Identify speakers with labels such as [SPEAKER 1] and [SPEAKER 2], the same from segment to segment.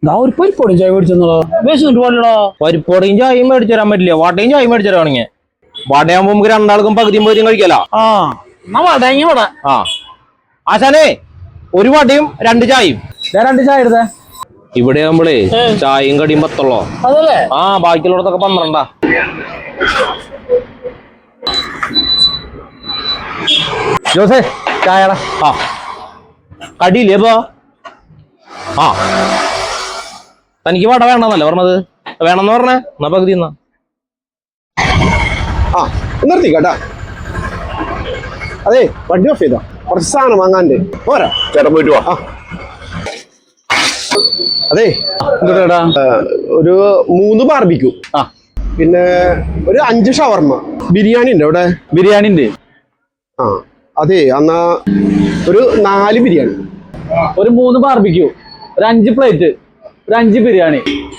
[SPEAKER 1] ഒരു പരിപ്പോടും ചായ മേടിച്ചെന്നോ വിശന്നിട്ട് പോലോ.
[SPEAKER 2] പരിപ്പോടയും ചായയും മേടിച്ചു തരാൻ പറ്റില്ല, വടയും ചായയും മേടിച്ചു തരാണെങ്കിൽ. വടയാകുമ്പോ നമുക്ക് രണ്ടാൾക്കും പകുതിയും പകുതിയും കഴിക്കാലോ. ആശാനേ, ഒരു വടയും 2 ചായയും.
[SPEAKER 1] 2 ചായ എടുത്തേ.
[SPEAKER 2] ഇവിടെ ആകുമ്പോഴേ ചായയും കടിയും 10
[SPEAKER 1] അതല്ലേ?
[SPEAKER 2] ബാക്കിയുള്ളടത്തൊക്കെ 12. ജോസേ ചായടാ. കടിയില്ലേ ഇപ്പൊ? തനിക്ക് വട വേണമെന്നല്ലേ പറഞ്ഞത്? വേണമെന്ന് പറഞ്ഞേ, എന്നാ പകുതി എന്നാ.
[SPEAKER 3] നിർത്തിക്കട്ടാ. അതെ, വണ്ടി ഓഫ് ചെയ്തോ, കുറച്ച് സാധനം വാങ്ങാണ്ട്. പോരാ ചേട്ടൻ പോയിട്ട് വാ. അതെ, ഒരു 3 ബാർബിക്യൂ, പിന്നെ ഒരു 5 ഷവർമ്മ. ബിരിയാണി ഉണ്ട് അവിടെ?
[SPEAKER 1] ബിരിയാണി ഉണ്ട്.
[SPEAKER 3] അതെ, എന്നാ ഒരു 4 ബിരിയാണി,
[SPEAKER 1] ഒരു 3 ബാർബിക്യൂ, ഒരു 5 പ്ലേറ്റ്, ഒരു 5 ബിരിയാണി.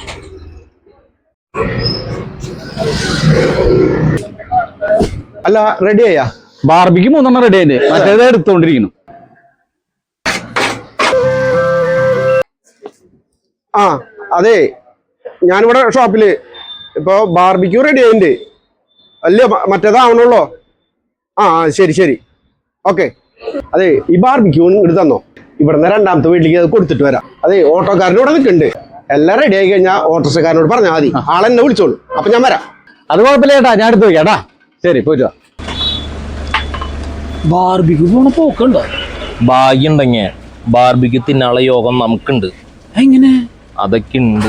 [SPEAKER 3] അല്ല, റെഡി ആയാ?
[SPEAKER 1] ബാർബിക്ക് 3 റെഡി ആയിട്ട് മറ്റേത് എടുത്തോണ്ടിരിക്കുന്നു.
[SPEAKER 3] അതെ, ഞാനിവിടെ ഷോപ്പില് ഇപ്പൊ ബാർബിക്യൂ റെഡി ആയിട്ടുണ്ട്. അല്ലേ മറ്റേതാവണല്ലോ. ശരി ശരി, ഓക്കെ. അതെ, ഈ ബാർബിക്യൂ ഇങ്ങോട്ട് തന്നോ. ഇവിടുന്ന് 2ാമത്തെ വീട്ടിലേക്ക് അത് കൊടുത്തിട്ട് വരാം. അതെ, ഓട്ടോക്കാരൻ്റെ ഇവിടെ നിൽക്കുന്നുണ്ട്. എല്ലാം റെഡി ആയി കഴിഞ്ഞാൽ ഓട്ടോറിക്ഷക്കാരനോട് പറഞ്ഞാൽ മതി, ആളെന്നെ വിളിച്ചോളൂ. അപ്പൊ ഞാൻ വരാം.
[SPEAKER 1] അത് കുഴപ്പമില്ല ചേട്ടാ, ഞാൻ എടുത്തു വയ്ക്കാട്ടാ. ശരി, പോയിട്ട്. ബാർബിക്യൂ പോണ പോക്കുണ്ടോ?
[SPEAKER 2] ഭാഗ്യം ഉണ്ടെങ്കിൽ ബാർബിക്യൂ തിന്നാനുള്ള യോഗം നമുക്കുണ്ട്.
[SPEAKER 1] എങ്ങനെ?
[SPEAKER 2] അതൊക്കെ ഉണ്ട്.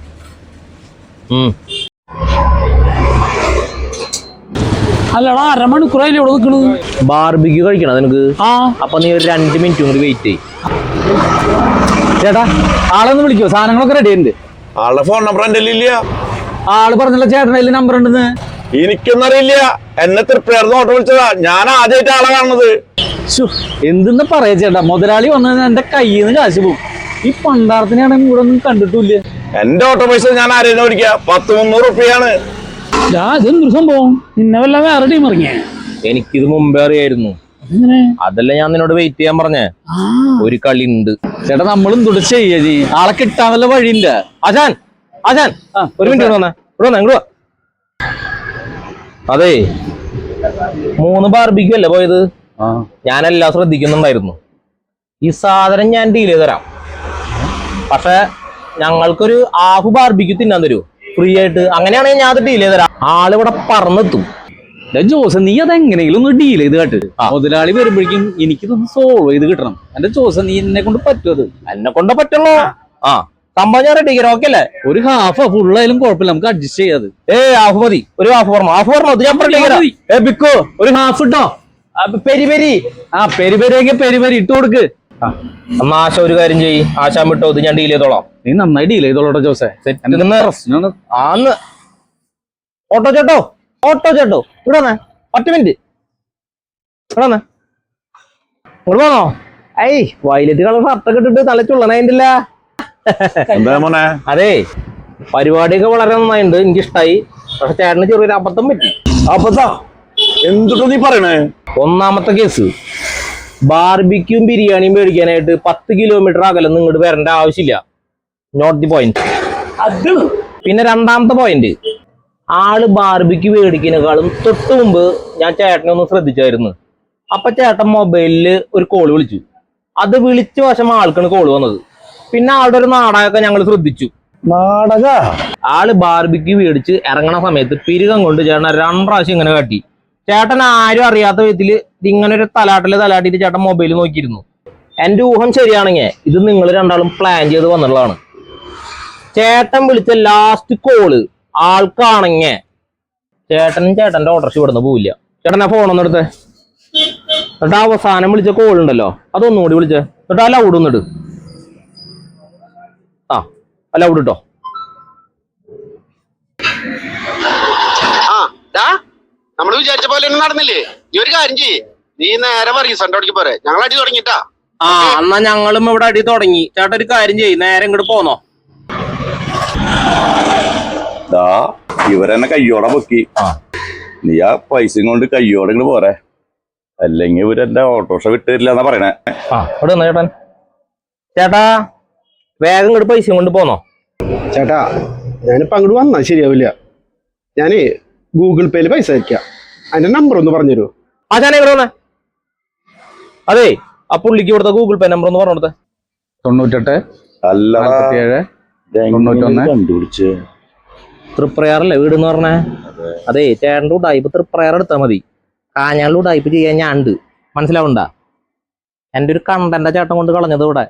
[SPEAKER 1] അല്ലടാ, അരമണിക്കൂറായില്ലേ ഇവിടെ നിൽക്കണത്?
[SPEAKER 2] ബാർബിക്യൂ കഴിക്കണം നിനക്ക്? അപ്പൊ നീ ഒരു 2 മിനിറ്റും കൂടി വെയിറ്റ് ചെയ്യ്.
[SPEAKER 1] ചേട്ടാ, ആളൊന്ന് വിളിക്കോ? സാധനങ്ങളൊക്കെ റെഡി ഉണ്ട്.
[SPEAKER 3] ആളുടെ ഫോൺ നമ്പർ എന്റെ ഇല്ല.
[SPEAKER 1] ആള് പറഞ്ഞല്ലോ ചേട്ടൻ്റെ നമ്പർ ഉണ്ടെന്ന്.
[SPEAKER 3] എനിക്കൊന്നും അറിയില്ല, എന്നെ തൃപ്തിയായിരുന്നു ഓട്ടോ വിളിച്ചതാ. ഞാൻ ആദ്യമായിട്ട് ആളെ കാണുന്നത്.
[SPEAKER 1] എന്തെന്ന് പറയാ ചേട്ടാ, മുതലാളി വന്നത് എന്റെ കയ്യിൽ നിന്ന് കാശ് പോകും. ഈ പണ്ടാരത്തിനാണെങ്കിൽ ഇവിടെ ഒന്നും കണ്ടിട്ടില്ല.
[SPEAKER 3] എന്റെ ഓട്ടോ പൈസ ഞാൻ ആരെയും മേടിക്കുക, 10-300 റുപ്യാണ്.
[SPEAKER 1] ഇതെന്തൊരു സംഭവം? നിന്നെ വല്ല വേറെ ടീം ഇറങ്ങിയ?
[SPEAKER 2] എനിക്കിത് മുമ്പേ അറിയായിരുന്നു. അതല്ല ഞാൻ നിന്നോട് വെയിറ്റ് ചെയ്യാൻ പറഞ്ഞേ. ഒരു കളി ഉണ്ട്
[SPEAKER 1] ചേട്ടാ, നമ്മളും തുട ചെയ്യ. ആളെ കിട്ടാൻ വല്ല വഴിയില്ല.
[SPEAKER 2] ആശാൻ, ഒരു മിനിറ്റ് വന്നേ. ഇവിടെ വാ. അതെ, 3 ബാർബിക്യൂ അല്ലേ പോയത്? ഞാനെല്ലാം ശ്രദ്ധിക്കുന്നുണ്ടായിരുന്നു. ഈ സാധനം ഞാൻ ഡീൽ ചെയ്ത് തരാം. പക്ഷെ ഞങ്ങൾക്കൊരു 1/2 ബാർബിക്യൂ തിന്നാൻ തരൂ ഫ്രീ ആയിട്ട്. അങ്ങനെയാണെങ്കിൽ ഞാൻ അത് ഡീൽ ചെയ്ത് തരാം. ആളിവിടെ പറന്നെത്തും.
[SPEAKER 1] ജോസ്, നീ അതെങ്ങനെയെങ്കിലും ഒന്ന് ഡീൽ ചെയ്ത് കേട്ട്. മുതലാളി വരുമ്പോഴേക്കും എനിക്കിതൊന്ന് സോൾവ് ചെയ്ത് കിട്ടണം. എന്റെ ജോസ്, നീ എന്നെ കൊണ്ട് പറ്റുമത്?
[SPEAKER 2] എന്നെ കൊണ്ട് പറ്റുള്ളൂ. സംഭവം ഞാൻ റെഡി ഓക്കെ അല്ലേ?
[SPEAKER 1] ഒരു ഹാഫ് ഫുള്ളായാലും കുഴപ്പമില്ല, നമുക്ക് അഡ്ജസ്റ്റ് ചെയ്യാത്.
[SPEAKER 2] ഹാഫ് മതി. ഒരു ഹാഫ് ബിക്കോ, ഒരു ഹാഫ് ഇട്ടോ. പെരി പെരി
[SPEAKER 1] പെരിപെരിയെങ്കിൽ പെരിപെരി ഇട്ട് കൊടുക്ക്.
[SPEAKER 2] എന്നാ ആശ ഒരു കാര്യം ചെയ്യ്, ആശാൻ വിട്ടോ, ഇത് ഞാൻ ഡീൽ ചെയ്തോളാം.
[SPEAKER 1] നീ നന്നായി ഡീൽ ചെയ്തോളൂട്ടോ ജോസേ.
[SPEAKER 2] ഓട്ടോ ചേട്ടോ ഇവിടെ വന്നേ, 10 മിനിറ്റ് ഇവിടെ വന്നേ. ഇങ്ങോട്ട് പോന്നോ? വയലറ്റ് കളർ ഷർട്ടൊക്കെ ഇട്ടിട്ട് നല്ല ചുള്ളനായിട്ടില്ല. അതെ, പരിപാടിയൊക്കെ വളരെ നന്നായിട്ടുണ്ട്, എനിക്കിഷ്ടായി. പക്ഷെ ചേട്ടന് ചെറിയൊരു അബദ്ധം പറ്റി.
[SPEAKER 3] എന്തുട്ടോ നീ പറയണേ?
[SPEAKER 2] 1ാമത്തെ കേസ്, ബാർബിക്യൂം ബിരിയാണിയും മേടിക്കാനായിട്ട് 10 കിലോമീറ്റർ അകലൊന്നും ഇങ്ങോട്ട് വരേണ്ട ആവശ്യമില്ല. Not the point. പിന്നെ 2ാമത്തെ പോയിന്റ്, ആള് ബാർബിക്യൂ മേടിക്കുന്നതിനേക്കാളും തൊട്ട് മുമ്പ് ഞാൻ ചേട്ടനെ ഒന്ന് ശ്രദ്ധിച്ചായിരുന്നു. അപ്പൊ ചേട്ടൻ മൊബൈലില് ഒരു കോള് വിളിച്ചു. അത് വിളിച്ച വശം ആൾക്കാണ് കോള് വന്നത്. പിന്നെ ആളുടെ ഒരു നാടകമൊക്കെ ഞങ്ങൾ ശ്രദ്ധിച്ചു. ആള് ബാർബിക്യൂ മേടിച്ച് ഇറങ്ങണ സമയത്ത് പിരികം കൊണ്ട് ചേട്ടൻ 2 പ്രാവശ്യം ഇങ്ങനെ കാട്ടി. ചേട്ടൻ ആരും അറിയാത്ത വിധത്തില് ഇങ്ങനെ ഒരു തലാട്ടിയിട്ട് ചേട്ടൻ മൊബൈൽ നോക്കിയിരുന്നു. എന്റെ ഊഹം ശരിയാണെങ്കിൽ ഇത് നിങ്ങൾ രണ്ടാളും പ്ലാൻ ചെയ്ത് വന്നുള്ളതാണ്. ചേട്ടൻ വിളിച്ച ലാസ്റ്റ് കോള് ആൾക്കാണെങ്കിൽ ചേട്ടന്റെ ഓട്ടോറിക്ഷ ഇവിടുന്ന് പോവില്ല. ചേട്ടൻ ആ ഫോണൊന്നും എടുത്തേ. എന്നിട്ട് അവസാനം വിളിച്ച കോൾ ഉണ്ടല്ലോ, അതൊന്നുകൂടി വിളിച്ചേ. എന്നിട്ട് ആ ലൗഡ് ഒന്നിട്ട്. ലൗഡ് ഇട്ടോ.
[SPEAKER 3] നമ്മള് വിചാരിച്ച പോലെ ഒന്നും നടന്നില്ലേ? നീ ഒരു കാര്യം ചെയ്യ്, നീ നേരെ റീസെന്റോടേക്ക് പോരെ. ഞങ്ങൾ അടി തുടങ്ങിട്ടാ.
[SPEAKER 2] എന്നാ ഞങ്ങളും ഇവിടെ അടി തുടങ്ങി. ചേട്ടൻ ഒരു കാര്യം ചെയ്യ്, നേരെ ഇങ്ങോട്ട് പോന്നോ.
[SPEAKER 4] ഇവരെന്നെ കയ്യോടെ പൊക്കി. നീ ആ പൈസയും കൊണ്ട് കയ്യോടെ ഇങ്ങോട്ട് പോരെ, അല്ലെങ്കിൽ ഇവരെന്റെ ഓട്ടോറിക്ഷ വിട്ട് തരില്ല എന്നാ പറയണേ.
[SPEAKER 2] ചേട്ടൻ ചേട്ടാ വേഗം ഇങ്ങോട്ട് പൈസ കൊണ്ട് പോന്നോ.
[SPEAKER 3] ചേട്ടാ ഞാനിപ്പോൾ അങ്ങോട്ട് വന്നാൽ ശരിയാവില്ല. ഞാനേ ഗൂഗിൾ പേയിൽ പൈസ അയക്കാം. അതിന്റെ നമ്പർ ഒന്ന് പറഞ്ഞുതരുമോ?
[SPEAKER 2] ആശാനെ ഇവിടെ വന്നേ. അതെ ആ പുള്ളിക്ക് കൊടുത്ത ഗൂഗിൾ പേ നമ്പർ ഒന്ന് പറഞ്ഞു കൊടുത്തേ.
[SPEAKER 1] 98
[SPEAKER 4] അല്ല
[SPEAKER 1] 47 91.
[SPEAKER 4] കണ്ടുപിടിച്ച്
[SPEAKER 2] തൃപ്രയാറല്ലേ വീട് എന്ന് പറഞ്ഞേ? അതെ ചേട്ടൻ്റെ ഉടായ്പ തൃപ്രയാർ എടുത്താൽ മതി. കാഞ്ഞാളിൽ ഉടായ്പ ചെയ്യാൻ ഞാൻ ഉണ്ട്, മനസ്സിലാവണ്ട. എൻ്റെ ഒരു കണ്ടന്റെ ചേട്ടൻ കൊണ്ട് കളഞ്ഞത് ഇവിടെ.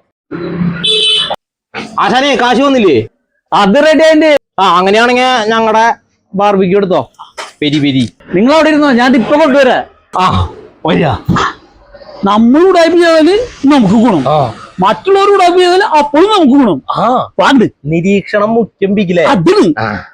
[SPEAKER 2] ആശാനെ കാശ് വന്നില്ലേ?
[SPEAKER 1] അത് റെഡി ആയിട്ട്.
[SPEAKER 2] ആ അങ്ങനെയാണെങ്കിൽ ഞങ്ങളുടെ ബാർബിക്യൂ എടുത്തോ. പെരി പെരി
[SPEAKER 1] നിങ്ങൾ അവിടെ ഇരുന്നോ, ഞാൻ ഇപ്പൊ കൊണ്ടുവരാ.
[SPEAKER 2] ആ വരിക.
[SPEAKER 1] നമ്മൾ ഉടായ്പ ചെയ്താല് നമുക്ക് ഗുണം, മറ്റുള്ളവർ ഉടായ്പ ചെയ്താല് അപ്പോഴും നമുക്ക് ഗുണം.
[SPEAKER 2] ആ
[SPEAKER 1] പാണ്ട്
[SPEAKER 2] നിരീക്ഷണം മുഖ്യം ബിഗിലേ.
[SPEAKER 1] അതിന്